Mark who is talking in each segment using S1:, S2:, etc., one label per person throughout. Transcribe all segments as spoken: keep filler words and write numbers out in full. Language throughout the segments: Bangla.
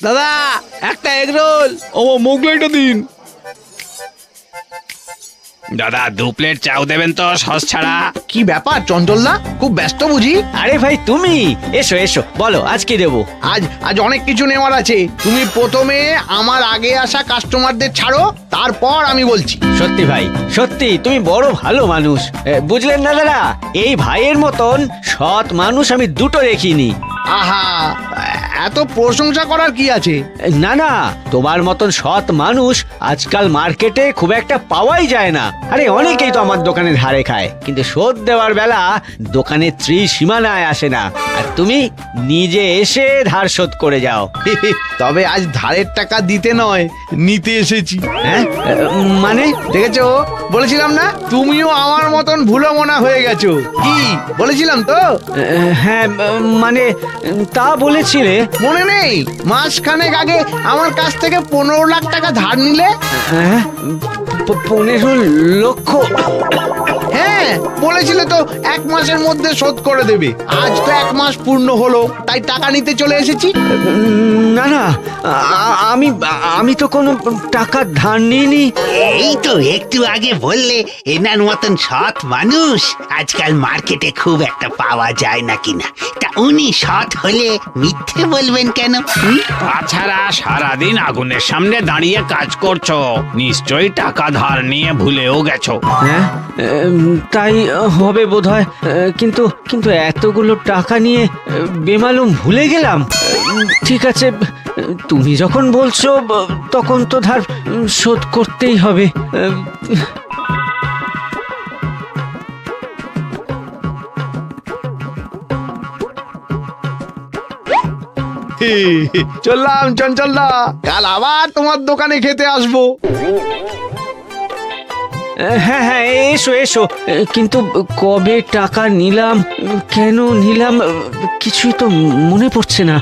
S1: দাদা একটা এগ রোল।
S2: ও মোগলাইটা দিন।
S3: দাদা দু প্লেট চাউ দেবেন তো সস ছাড়া।
S1: কি ব্যাপার চঞ্চলদা, খুব ব্যস্ত বুঝি?
S4: আরে ভাই তুমি এসো এসো, বলো আজ কি দেবো?
S1: আজ আজ অনেক কিছু নেওয়ার আছে। তুমি প্রথমে আমার আগে আসা কাস্টমারদের ছাড়ো, তারপর আমি বলছি।
S4: সত্যি ভাই সত্যি তুমি বড় ভালো মানুষ, এ, বুঝলেন না দাদা, এই ভাইয়ের মতন সৎ মানুষ আমি দুটো দেখিনি।
S1: আহা, এত প্রশংসা করার কি আছে?
S4: না না, তোমার মতন সৎ মানুষ আজকাল মার্কেটে খুব একটা পাওয়াই যায় না। আরে অনেকেই তো আমার দোকানে ধারে খায়, কিন্তু শোধ দেওয়ার বেলা দোকানে ত্রিসীমানায় আসে না, আর তুমি নিজে এসে ধার শোধ করে যাও।
S1: তবে আজ ধারের টাকা দিতে নয়, নিতে এসেছি।
S4: হ্যাঁ মানে?
S1: দেখেছো, বলেছিলাম না তুমিও আমার মতন ভুলো মনা হয়ে গেছো। কি বলেছিলাম তো?
S4: হ্যাঁ মানে তা বলেছিলে।
S1: মনে নেই মাসখানেক আগে আমার কাছ থেকে পনেরো লাখ টাকা ধার নিলে?
S4: হ্যাঁ প- পনেরো লক্ষ?
S1: হ্যাঁ বলেছিলে তো এক মাসের মধ্যে শোধ করে দেবে। আজ তো এক মাস পূর্ণ হলো, তাই টাকা নিতে চলে এসেছি।
S4: না না, আ- আমি আমি তো কোনো টাকা ধার নিইনি।
S5: এই তো একটু আগে বললে এনার মতন সৎ মানুষ আজকাল মার্কেটে খুব একটা পাওয়া যায় না কিনা, তা উনি সৎ হলে মিথ্যে বলবেন কেন? হুম?
S3: তাছাড়া সারাদিন আগুনের সামনে দাঁড়িয়ে কাজ করছো, নিশ্চয়ই টাকা ধার নিয়ে ভুলেও গেছো।
S4: হ্যাঁ উম, তাই হবে বোধহয়, কিন্তু কিন্তু এতগুলো টাকা নিয়ে আহ, বেমালুম ভুলে গেলাম। উম, ঠিক আছে, তুমি যখন বলছো ব- তখন তো ধার উম, শোধ করতেই হবে। উম,
S1: চললাম চঞ্চলদা, কাল আবার তোমার দোকানে খেতে আসবো।
S4: হ্যাঁ হ্যাঁ এসো এসো, কিন্তু কবে টাকা নিলাম, কেন নিলাম, কিছুই তো মনে পড়ছে না।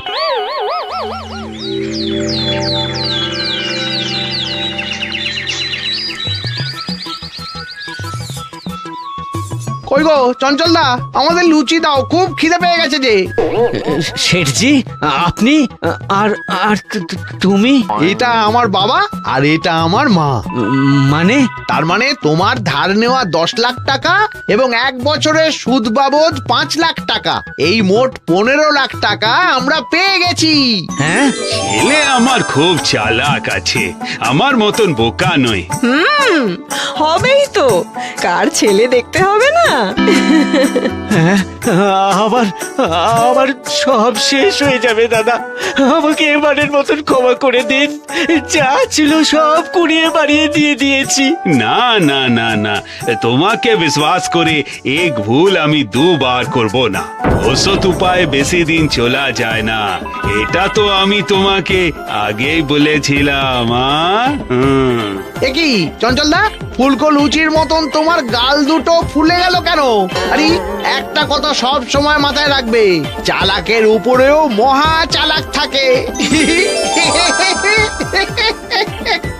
S1: কই গো চঞ্চলদা, আমাদের লুচি দাও, খুব খিদে পেয়ে গেছে যে।
S4: শেঠজি আপনি, আর আর তু- তু- তুমি?
S1: এটা আমার বাবা আর এটা আমার মা।
S4: উম, মানে?
S1: তার মানে তোমার ধার নেওয়া দশ লাখ টাকা এবং এক বছরের সুদ বাবদ পাঁচ লাখ টাকা, এই মোট পনেরো লাখ টাকা আমরা পেয়ে গেছি।
S4: হ্যাঁ
S6: ছেলে আমার খুব চালাক আছে, আমার মতন বোকা নয়।
S7: হুম হবেই তো, কার ছেলে দেখতে হবে না।
S4: হ্যাঁ, আবার আবার সব শেষ হয়ে যাবে দাদা, আমাকে এবারের মতন ক্ষমা করে দিন, যা ছিল সব কুড়িয়ে বাড়িয়ে দিয়ে দিয়েছি।
S6: না না না না, তোমাকে বিশ্বাস করে এক ভুল আমি দুবার করব না। ওসত উপায় বেশি দিন চলা যায় না, এটা তো আমি তোমাকে আগেই বলেছিলাম। আ? হুম।
S1: এ কি চঞ্চলদা, ফুলকো লুচির মতন তোমার গাল দুটো ফুলে গেল কেন? আরে একটা কথা সব সময় মাথায় রাখবে, চালাকের উপরেও মহা চালাক থাকে।